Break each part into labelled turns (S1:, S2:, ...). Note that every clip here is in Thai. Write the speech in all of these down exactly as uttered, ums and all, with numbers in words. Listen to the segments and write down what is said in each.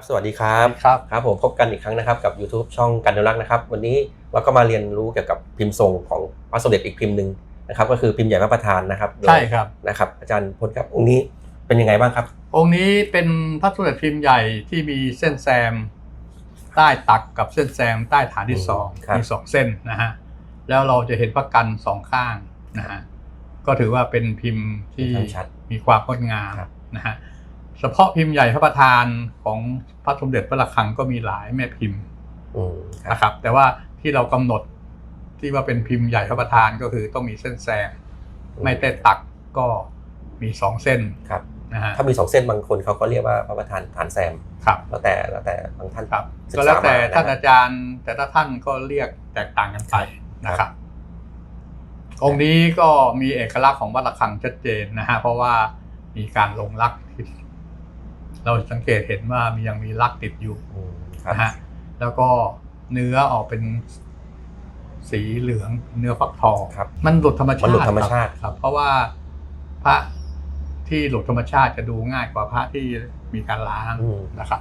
S1: สวัสดีครับ
S2: ครับ
S1: ครับผมพบกันอีกครั้งนะครับกับ YouTube ช่องกันอนุรักษ์นะครับวันนี้เราก็มาเรียนรู้เกี่ยวกับพิมพ์ทรงของพระสมเด็จอีกพิมพ์หนึ่งนะครับก็คือพิมพ์ใหญ่พระประธานนะครับ
S2: ใช่ครับ
S1: นะครับอาจารย์พลครับองค์นี้เป็นยังไงบ้างครับ
S2: องค์นี้เป็นพระสมเด็จพิมพ์ใหญ่ที่มีเส้นแซมใต้ตักกับเส้นแซมใต้ฐานที่สองมีสองเส้นนะฮะแล้วเราจะเห็นพระกันสองข้างนะฮะก็ถือว่าเป็นพิมพ์ที่มีความงดงามนะฮะเฉพาะพิมพ์ใหญ่พระประธานของพระสมเด็จพระระฆังก็มีหลายแม่พิมพ์นะครับแต่ว่าที่เรากำหนดที่ว่าเป็นพิมพ์ใหญ่พระประธานก็คือต้องมีเส้นแซมไม่ใต้ตักก็มีสองเส้น
S1: ครับนะฮะถ้ามีสองเส้นบางคนเขาก็เรียกว่าพระประธานฐานแซม
S2: ครับ
S1: แล้วแต่แล้วแต่บางท่าน
S2: ครับก็แล้วแต่ท่านอาจารย์แต่ละท่านก็เรียกแตกต่างกันไปนะครับองค์นี้ก็มีเอกลักษณ์ของวัดระฆังชัดเจนนะฮะเพราะว่ามีการลงลักษณ์เราสังเกตเห็นว่ามียังมีลักษณ์ติดอยู่นะฮะแล้วก็เนื้อออกเป็นสีเหลืองเนื้อฟักทองครับมันหลุดธรรมชาติ
S1: มันหลุดธรรมชาติ
S2: ครับเพราะว่าพระที่หลุดธรรมชาติจะดูง่ายกว่าพระที่มีการล้างนะครับ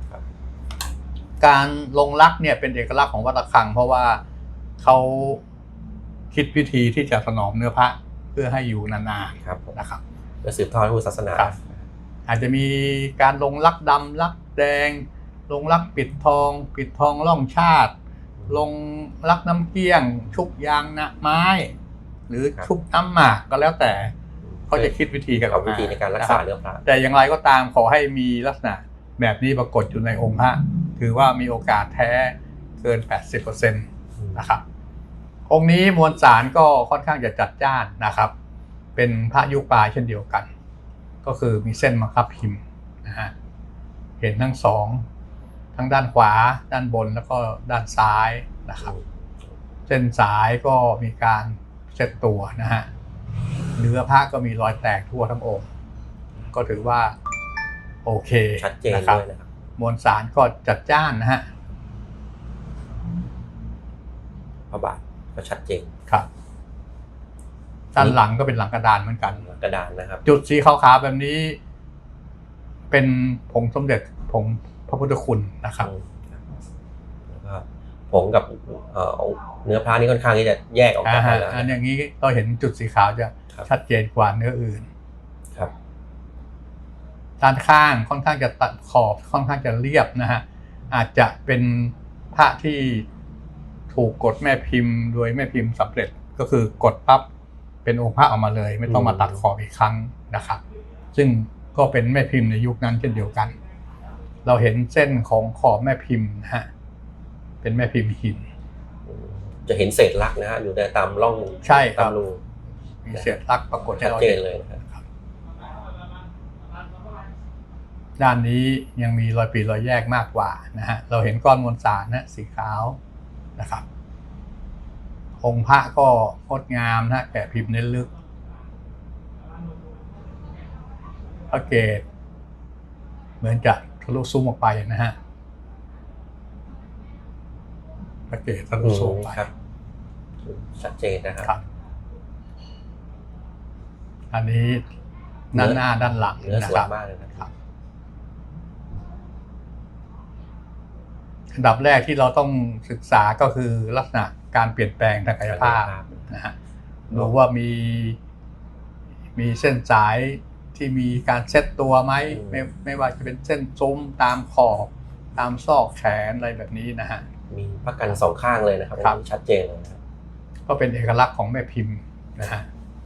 S2: การลงลักษณ์เนี่ยเป็นเอกลักษณ์ของวัดระฆังเพราะว่าเขาคิดวิธีที่จะถนอมเนื้อพระเพื่อให้อยู่นานๆนะครับ
S1: เพื่อสืบทอดพุทธศาสนา
S2: อาจจะมีการลงลักดำลักแดงลงลักปิดทองปิดทองล่องชาติลงลักน้ำเกี้ยงชุบยางนะไม้หรือชุบน้ำหมากก็แล้วแต่เขาจะคิดวิธีกันออกมา
S1: วิธีในการรักษาเนื้อพระ
S2: แต่อย่างไรก็ตามขอให้มีลักษณะแบบนี้ปรากฏอยู่ในองค์พระถือว่ามีโอกาสแท้เกิน แปดสิบเปอร์เซ็นต์ นะครับองค์นี้มวลสารก็ค่อนข้างจะจัดจ้านนะครับเป็นพระยุคปลายเช่นเดียวกันก็คือมีเส้นบังคับพิมพ์นะฮะเห็นทั้งสองทั้งด้านขวาด้านบนแล้วก็ด้านซ้ายนะครับเส้นสายก็มีการเซตตัวนะฮะเนื้อพระก็มีรอยแตกทั่วทั้งองค์ก็ถือว่าโอเค
S1: ชัดเจนเลยนะครับ
S2: มวลสารก็จัดจ้านนะฮะ
S1: พระบาทก็ชัดเจน
S2: ครับด้านหลังก็เป็นหลังกระดานเหมือนกัน
S1: กระดานนะครับ
S2: จุดสีขาวๆแบบนี้เป็นผงสมเด็จผงพระพุทธคุณนะครับ
S1: แล้วก็ผงกับเนื้อพระนี่ค่อนข้างที่จะแยกออกจากกันแล้ว
S2: อันอย่างนี้เราเห็นจุดสีขาวจะชัดเจนกว่าเนื้ออื่น
S1: ครับ
S2: ด้านข้างค่อนข้างจะตัดขอบค่อนข้างจะเรียบนะฮะอาจจะเป็นพระที่ถูกกดแม่พิมพ์โดยแม่พิมพ์สำเร็จก็คือกดปั๊บเป็นองค์พระออกมาเลยไม่ต้องมาตัดขอบอีกครั้งนะครับซึ่งก็เป็นแม่พิมพ์ในยุคนั้นเช่นเดียวกันเราเห็นเส้นของขอบแม่พิมพ์นะฮะเป็นแม่พิมพ์หิน
S1: จะเห็นเศษลักนะฮะอยู่ในตามร่อง
S2: ใช่ครับ
S1: ตามรู
S2: มีเศษลักปรากฏ
S1: ชัดเจนเลยครับ
S2: ด้านนี้ยังมีรอยปีรอยแยกมากกว่านะฮะเราเห็นก้อนมวลสารนะสีขาวนะครับองค์พระก็งดงามนะแกะพิมพ์เน้นลึกพระเกศเหมือนจะทะลุซุ้มออกไปนะฮะพระเกศทะลุซุ้มไป
S1: ครับชัดเจนนะครับ
S2: อันนี้ด้านหน้าด้านหลัง
S1: เนื้อสวยมากเลยนะครับ
S2: อันดับแรกที่เราต้องศึกษาก็คือลักษณะการเปลี่ยนแปลงทางกายภาพนะฮะดูว่ามีมีเส้นสายที่มีการเซตตัวไหมไม่ไม่ว่าจะเป็นเส้นซุ้มตามขอบตามซอกแขนอะไรแบบนี้นะฮะ
S1: มีพระกันสองข้างเลยนะครับชัดเจนเลยนะครับ
S2: ก็เป็นเอกลักษณ์ของแม่พิมพ์นะฮะ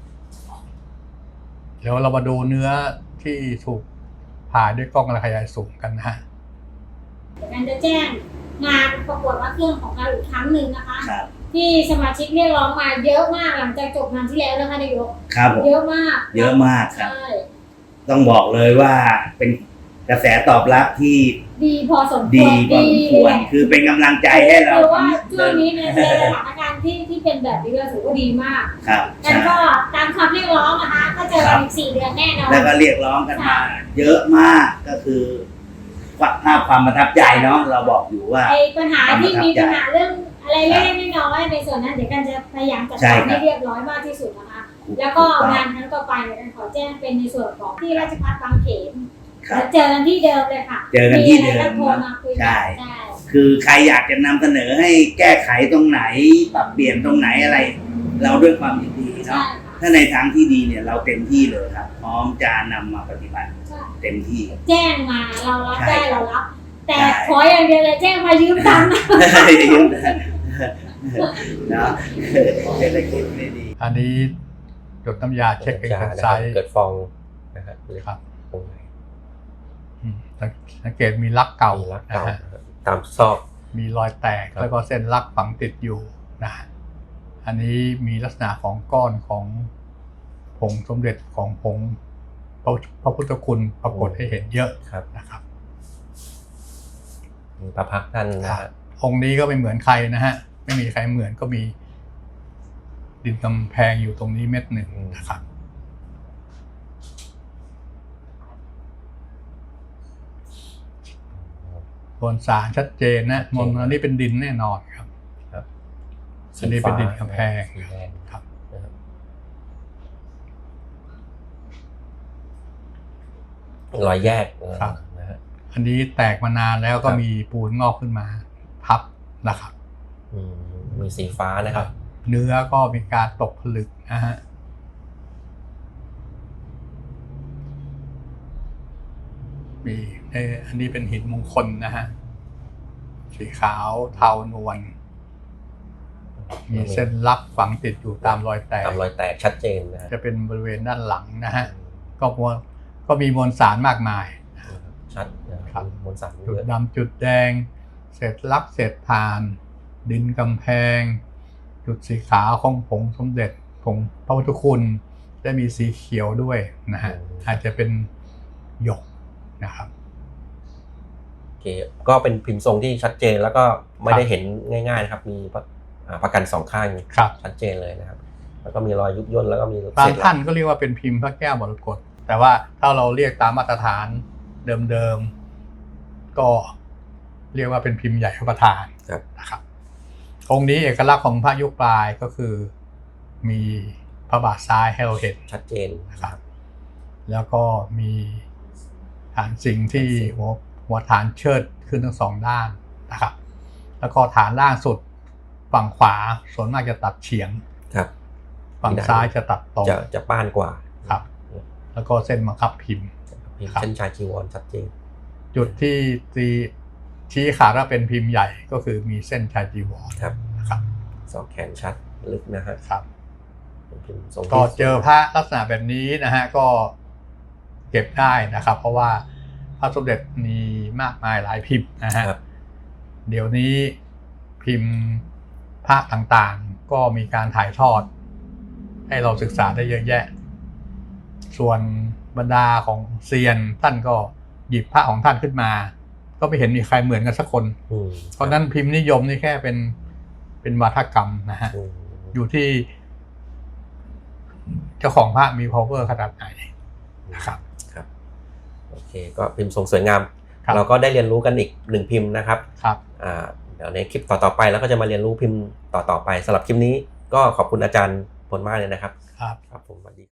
S2: เดี๋ยวเรามาดูเนื้อที่ถูกผ่าด้วยกล้องขยายสูงกันนะฮะ
S3: การจะแจ้งงานประกวดพระเครื่องของเราอีกครั้งหนึ่งนะคะที่สมาชิกเรียกร้องมาเยอะมากหลังจากจบงานที่แล้วนะคะนายก
S4: ครับ
S3: เยอะมาก
S4: เยอะมากครับต้องบอกเลยว่าเป็นกระแสตอบรับที่
S3: ดีพอสมควร
S4: ดีพอสมควรคือเป็นกำลังใจให้เรา
S3: คือว่าช่วงนี้ในสถานการณ์ที่ที่เป็นแบบนี้เราถือว่าดีมาก
S4: ครับ
S3: แล้วก็ตามคำเรียกร้องนะคะก็เจอกันอีกสี่เดือนแน่นอน
S4: แล้วก็เรียกร้องกันมาเยอะมากก็คือภาพความประทับใจเนาะเราบอกอยู่ว่า
S3: ไอ้ปัญหาที่มีปัญหาเรื่องอะไรเล็กๆน้อยๆในส่วนนั้นเดี๋ยวกันจะพยายามจัดการให้เรียบร้อยมากที่สุดนะคะแล้วก็งานครั้งต่อไปเนี่ยกันขอแจ้งเป็นในส่วนของที่ราชภัฏบางเขน
S4: ครับ
S3: แล้วเจอกันที่เดิมเลยค่ะ
S4: เจอกันที่เดิม
S3: อะไรก็โทรมาคุยกัน
S4: ใช่
S3: ใช่
S4: คือใครอยากจะนำเสนอให้แก้ไขตรงไหนปรับเปลี่ยนตรงไหนอะไร เราด้วยความยินดี
S3: ใช่
S4: เนาะ
S3: ค่ะ
S4: ถ้าในทางที่ดีเนี่ยเราเต็มที่เลยครับ พร้อมจะนำมาปฏิบัติ
S3: ใช่
S4: เต็มที่
S3: แจ้งมาเรารับได้
S4: ใช่
S3: เรารับ แต่
S4: ใช่
S3: ขออย่างเดียวเลยแจ้งมายืมตังค์นะ
S4: เนาะเศรษฐกิจไม่ดี
S2: อันนี้หยดน้ำยาเช็คเอง
S1: ยา
S2: เป็น
S1: นะ
S2: ไซ
S1: ครับ
S2: ส์
S1: เกิดฟองนะฮะหรือ
S2: ครับ
S1: ตรงไหน
S2: อืมสังเกตมีลักเก่า
S1: มีรัก
S2: นะ
S1: เก่า
S2: ฮะ
S1: นะครับตามซอก
S2: มีรอยแตก
S1: ครับ
S2: แล้วก็เส้นลักฝังติดอยู่นะฮะอันนี้มีลักษณะของก้อนของผงสมเด็จของผงพระพระพุทธคุณปรากฏให้เห็นเยอะ
S1: ครับ
S2: นะครับ
S1: มีพระพักตร์ท่านนะฮะ
S2: องค์นี้ก็ไม่เหมือนใครนะฮะไม่มีใครเหมือนก็มีดินกำแพงอยู่ตรงนี้เม็ดหนึ่งนะครับบนสารชัดเจนนะมนอันนี้เป็นดินแน่นอนครับ
S1: ครับ
S2: อันนี้เป็นดินกำแพง
S1: สีแดง
S2: ครับ
S1: นะครับรอยแยก
S2: ครับ
S1: นะฮะ
S2: อันนี้แตกมานานแล้วก็
S1: ครับ
S2: มีปูนงอกขึ้นมาทับนะครับ
S1: อืมมีสีฟ้านะครับ
S2: เนื้อก็มีการตกผลึกนะฮะมีเอ่ออันนี้เป็นหินมงคลนะฮะสีขาวเทานวลมีเส้นลักฝังติดอยู่ตามรอยแตก
S1: ตามรอยแตกชัดเจนนะฮะ
S2: จะเป็นบริเวณด้านหลังนะฮะก็มวลก็มีมวลสารมากมาย
S1: ชัดนะค
S2: ครั
S1: รับบ มวลสาร
S2: จุด
S1: เยอะ
S2: ดำจุดแดง เศษลักเศษทาน ดินกำแพง จุดสีขาวของผงสมเด็จผงพระพุทธคุณได้มีสีเขียวด้วยนะฮะอาจจะเป็นหยกนะครับ
S1: โอเคก็เป็นพิมพ์ทรงที่ชัดเจนแล้วก็ไม่ได้เห็นง่ายๆนะครับ มีอ่าประกันสองข้าง
S2: ครับ
S1: ชัดเจนเลยนะครับ แล้วก็มีรอยยุบย่นแล้วก็มี
S2: บาง
S1: เศษ
S2: ท่านก็เรียกว่าเป็นพิมพ์พระแก้วมรกตแต่ว่าถ้าเราเรียกตามมาตรฐานเดิมๆก็เรียกว่าเป็นพิมพ์ใหญ่พระประธาน
S1: ครับ
S2: นะครับองค์นี้เอกลักษณ์ของพระยุคปลายก็คือมีพระบาทซ้ายให้เราเห็น
S1: ชัดเจน
S2: นะครับแล้วก็มีฐานสิงห์ที่หัวหัวฐานเชิดขึ้นทั้งสองด้านนะครับแล้วก็ฐานล่างสุดฝั่งขวาส่วนมากจะตัดเฉียง
S1: ครับ
S2: ฝั่งซ้ายจะตัดตรง
S1: จะจะป้านกว่า
S2: ครับ แล้วก็เส้นบังคับพิมพ์
S1: พิมพ์
S2: ครับ
S1: เส้นชายจีวรชัดเจน
S2: จุดที่ตีชี้ขาดว่าเป็นพิมพ์ใหญ่ก็คือมีเส้นชายจีวร
S1: ครับ
S2: นะครับ
S1: สอกแขนชัดลึกนะฮะ
S2: ครับ
S1: เป็นพิมพ์ทรงที่
S2: ก็เจอพระลักษณะแบบนี้นะฮะก็เก็บได้นะครับ เพราะว่าพระสมเด็จมีมากมายหลายพิมพ์นะฮะ
S1: ครับ
S2: เดี๋ยวนี้พิมพ์พระต่างๆ ก็มีการถ่ายทอด ให้เราศึกษาได้เยอะแยะ ส่วนบรรดาของเซียนท่านก็หยิบพระของท่านขึ้นมา ก็ไม่เห็นมีใครเหมือนกันสักคน
S1: อืม
S2: เพราะนั้นพิมพ์นิยมนี่แค่เป็นเป็นวาทกรรมนะฮะ
S1: อืม
S2: อยู่ที่เจ้าของพระมี power ขนาดไหนนะครับ
S1: ครับโอเคก็พิมพ์ทรงสวยงาม
S2: ครับ
S1: เราก็ได้เรียนรู้กันอีกหนึ่งพิมพ์นะครับ
S2: ครับ
S1: อ่าเดี๋ยวในคลิปต่อๆไปเราก็จะมาเรียนรู้พิมพ์ต่อๆไปสำหรับคลิปนี้ก็ขอบคุณอาจารย์พลมากเลยนะครับ
S2: ครับ
S1: ครับผมสวัสดี